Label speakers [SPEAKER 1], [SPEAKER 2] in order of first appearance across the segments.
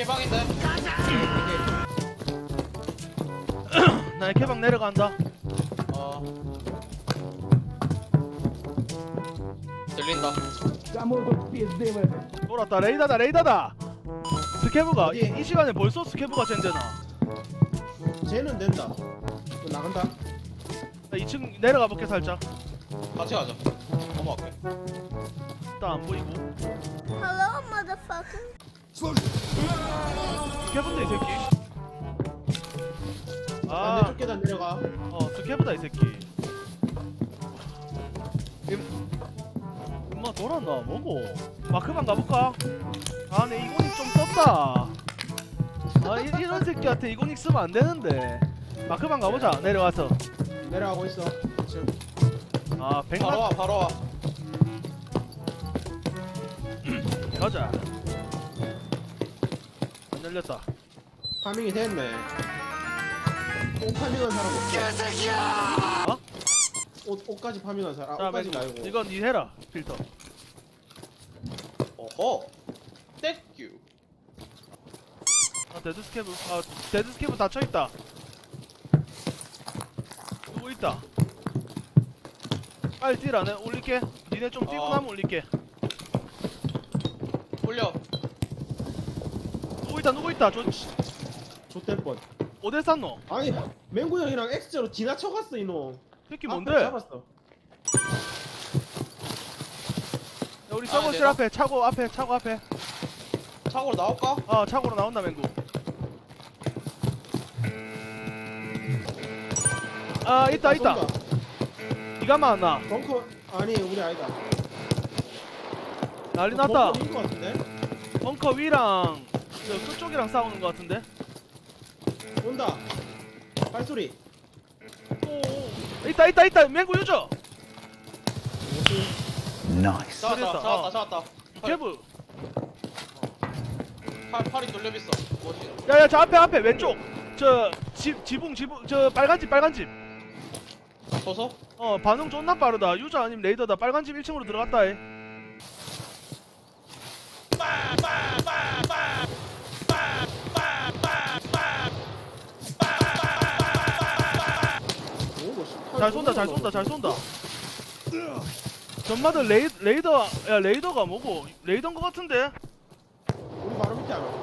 [SPEAKER 1] 개방인데.
[SPEAKER 2] 나 개방 내려간다.
[SPEAKER 1] 어. 들린다.
[SPEAKER 2] 돌았다. 레이더다 레이더다. 스케브가
[SPEAKER 3] 어디?
[SPEAKER 2] 이 시간에 벌써 스케브가 젠되나?
[SPEAKER 3] 쟤는 된다. 또 나간다.
[SPEAKER 2] 나 2층 내려가 볼게 살짝.
[SPEAKER 1] 같이 가자. 넘어갈게.
[SPEAKER 2] 일단 안 보이고.
[SPEAKER 4] Hello, motherfucker.
[SPEAKER 2] 스케브인데 이 새끼.
[SPEAKER 3] 반대쪽 계단 내려가.
[SPEAKER 2] 스케브다 이 새끼. 엄마 돌았나 뭐고? 마크방 가볼까? 아, 내 이고닉 좀 썼다. 이런 새끼한테 이고닉 쓰면 안 되는데. 마크방 가보자. 내려와서.
[SPEAKER 3] 내려가고 있어. 지금
[SPEAKER 2] 아,
[SPEAKER 1] 바로 와, 바로 와.
[SPEAKER 2] 가자. 안 열렸다.
[SPEAKER 3] 파밍이 됐네. 옷 파밍한 사람 없어.
[SPEAKER 2] 어?
[SPEAKER 3] 옷까지 파밍한 사람.
[SPEAKER 2] 자,
[SPEAKER 3] 옷까지
[SPEAKER 2] 맨
[SPEAKER 3] 말고.
[SPEAKER 2] 이건 니 해라. 필터.
[SPEAKER 1] 어허. 땡큐.
[SPEAKER 2] 데드 스케브. 데드 스케브 닫혀 있다. 누구 있다. 빨리 뛰라. 내 올릴게. 니네 좀 뛰고 나면 올릴게.
[SPEAKER 1] 올려.
[SPEAKER 2] 누구 있다.
[SPEAKER 3] 좆될 뻔.
[SPEAKER 2] 어디 쌌노?
[SPEAKER 3] 아니 맹구 형이랑 X자로 지나쳐갔어 이놈.
[SPEAKER 2] 새끼
[SPEAKER 3] 앞에
[SPEAKER 2] 뭔데? 야,
[SPEAKER 3] 잡았어.
[SPEAKER 2] 우리
[SPEAKER 1] 아,
[SPEAKER 2] 서버실
[SPEAKER 1] 내가?
[SPEAKER 2] 앞에 차고 앞에.
[SPEAKER 1] 차고로 나올까?
[SPEAKER 2] 차고로 나온다 맹구. 있다.
[SPEAKER 3] 쏜다.
[SPEAKER 2] 니가 많나?
[SPEAKER 3] 벙커 아니 우리 아니다.
[SPEAKER 2] 난리 났다.
[SPEAKER 3] 벙커인 것 같은데?
[SPEAKER 2] 벙커 위랑 끝쪽이랑 싸우는 것 같은데?
[SPEAKER 3] 온다. 발소리.
[SPEAKER 2] 있다. 맹구 유저.
[SPEAKER 1] 잡았다,
[SPEAKER 2] 그랬다.
[SPEAKER 1] 잡았다.
[SPEAKER 2] 개브.
[SPEAKER 1] 팔이 뚫려 있어. 뭐지?
[SPEAKER 2] 야야, 저 앞에 왼쪽. 지붕 저 빨간 집.
[SPEAKER 1] 서서?
[SPEAKER 2] 반응 존나 빠르다. 유저 아니면 레이더다. 빨간 집 1층으로 들어갔다. 잘 쏜다. 전마들 레이더가 뭐고? 레이더인 것 같은데?
[SPEAKER 3] 우리 바로 밑에 하나.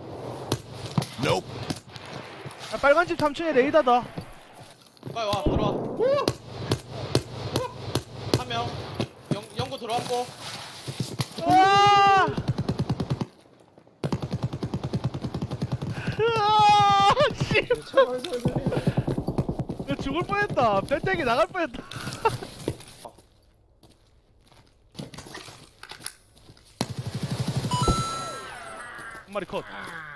[SPEAKER 2] 빨간 집 3층에 레이더다.
[SPEAKER 1] 빨리 와, 들어와. 한 명. 연구 들어왔고.
[SPEAKER 2] 씨. 나 죽을 뻔했다. 배때기 나갈 뻔했다. 한 마리 컷.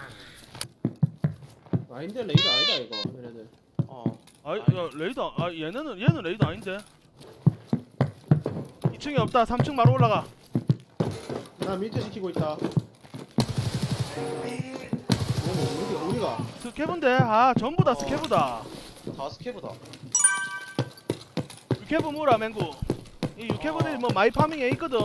[SPEAKER 3] 아닌데 레이더 아니다 이거. 얘네들.
[SPEAKER 2] 야, 레이더. 얘는 레이더 아닌데. 2층이 없다. 3층 바로 올라가.
[SPEAKER 3] 나 밀대 시키고 있다. 우리가
[SPEAKER 2] 스케브인데. 전부 다 스케브다.
[SPEAKER 1] 다 스케브다.
[SPEAKER 2] 유캐브 뭐라 맹구. 이 유캐브들이 뭐 마이 파밍에 있거든.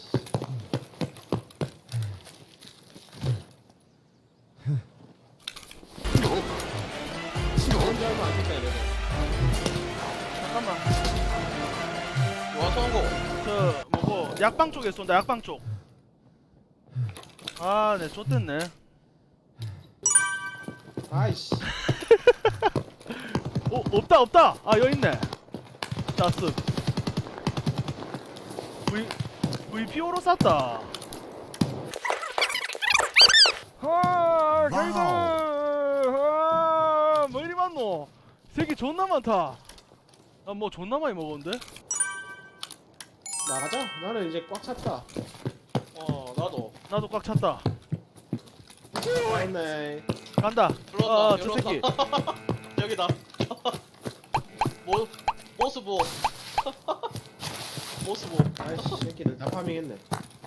[SPEAKER 3] 혼자 하면 안 된다 얘네들.
[SPEAKER 2] 잠깐만.
[SPEAKER 1] 와, 성공.
[SPEAKER 2] 뭐고 약방 쪽에 쏜다. 약방 쪽. 네, 좆됐네.
[SPEAKER 3] 아이씨.
[SPEAKER 2] 없다. 여기 있네. 나스. VPO로 쐈다. 게이드. 뭐 이리 많노? 새끼 존나 많다. 나 뭐 존나 많이 먹었는데?
[SPEAKER 3] 나가자. 나는 이제 꽉 찼다.
[SPEAKER 1] 나도
[SPEAKER 2] 꽉 찼다.
[SPEAKER 3] 왔네.
[SPEAKER 2] 간다.
[SPEAKER 1] 들어온다.
[SPEAKER 2] 저 새끼.
[SPEAKER 1] 여기다. 모스보.
[SPEAKER 3] 아이씨 새끼들 다 파밍했네.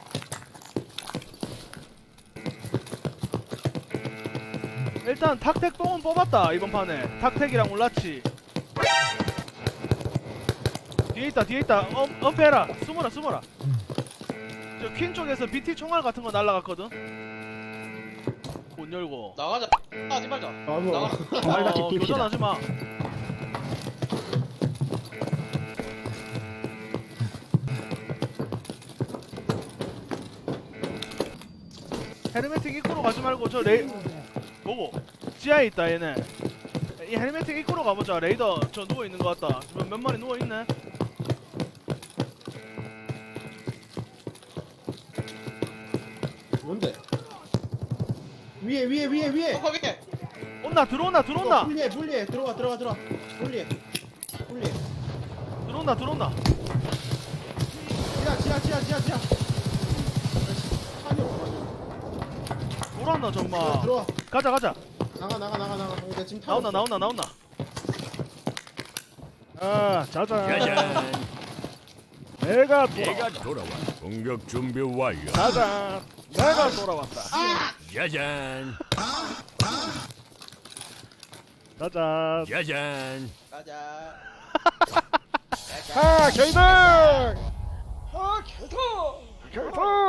[SPEAKER 2] 일단 탁택 똥은 뽑았다. 이번 판에 탁택이랑 올라치. 뒤에 있다. 엄폐해라. 숨어라. 저 퀸 쪽에서 BT 총알 같은 거 날라갔거든. 문 열고.
[SPEAKER 1] 나가자. 하지 말자.
[SPEAKER 3] 바보.
[SPEAKER 1] 나가.
[SPEAKER 5] 말같이 뜁시다.
[SPEAKER 2] 교전하지 마. 헬멧틱 입구로 가지 말고 저 레이 뭐고? 지하에 있다 얘네. 이 헬멧틱 입구로 가보자. 레이더 저 누워 있는 것 같다. 몇 마리 누워 있네.
[SPEAKER 3] 뭔데? 위에.
[SPEAKER 1] 톡하게.
[SPEAKER 2] 온나 들어온다 들어온다
[SPEAKER 3] 분리해. 들어와. 분리해.
[SPEAKER 2] 들어온다.
[SPEAKER 3] 지하. 찬이 없어.
[SPEAKER 2] 돌아온다 정말.
[SPEAKER 3] 들어와.
[SPEAKER 2] 가자.
[SPEAKER 3] 나가. 나 지금 타고 있어.
[SPEAKER 2] 나온다. 아 자자.
[SPEAKER 5] 짜잔.
[SPEAKER 2] 내가
[SPEAKER 5] 내가 돌아와. 공격 준비 완료.
[SPEAKER 2] 가자. 내가 돌아왔다.
[SPEAKER 5] 짜잔.
[SPEAKER 2] 가자.
[SPEAKER 5] 짜잔.
[SPEAKER 1] 가자.
[SPEAKER 2] 아 저희들.
[SPEAKER 1] 아, 개다.
[SPEAKER 2] 결투.